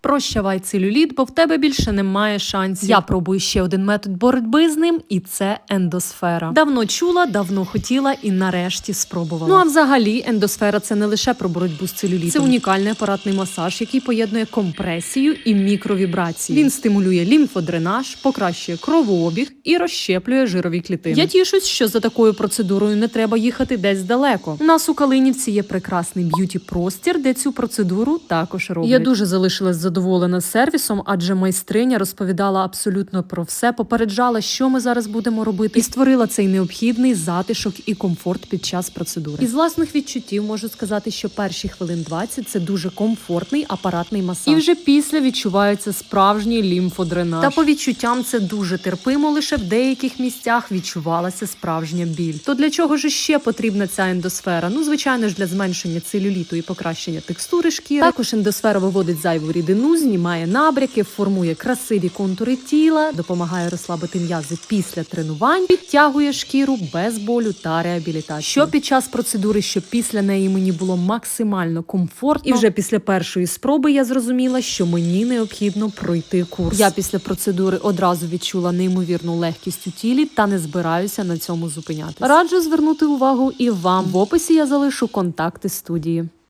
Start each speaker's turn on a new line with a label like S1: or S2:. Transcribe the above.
S1: Прощавай целюліт, бо в тебе більше немає шансів. Я пробую ще один метод боротьби з ним, і це ендосфера. Давно чула, давно хотіла і нарешті спробувала. Ну а взагалі ендосфера – це не лише про боротьбу з целюлітом. Це унікальний апаратний масаж, який поєднує компресію і мікровібрації. Він стимулює лімфодренаж, покращує кровообіг і розщеплює жирові клітини. Я тішусь, що за такою процедурою не треба їхати десь далеко. У нас у Калинівці є прекрасний б'юті-простір, де цю процедуру також роблять. Я дуже залишилась задоволена сервісом, адже майстриня розповідала абсолютно про все, попереджала, що ми зараз будемо робити, і створила цей необхідний затишок і комфорт під час процедури. Із власних відчуттів можу сказати, що перші хвилин 20 – це дуже комфортний апаратний масаж. І вже після відчувається справжній лімфодренаж. Та по відчуттям це дуже терпимо, лише в деяких місцях відчувалася справжня біль. То для чого ж ще потрібна ця ендосфера? Ну, звичайно ж, для зменшення целюліту і покращення текстури шкіри. Також ендосфера виводить зайву рідину, знімає набряки, формує красиві контури тіла, допомагає розслабити м'язи після тренувань, підтягує шкіру без болю та реабілітації. Що під час процедури, що після неї мені було максимально комфортно. І вже після першої спроби я зрозуміла, що мені необхідно пройти курс. Я після процедури одразу відчула неймовірну легкість у тілі та не збираюся на цьому зупинятися. Раджу звернути увагу і вам. В описі я залишу контакти студії.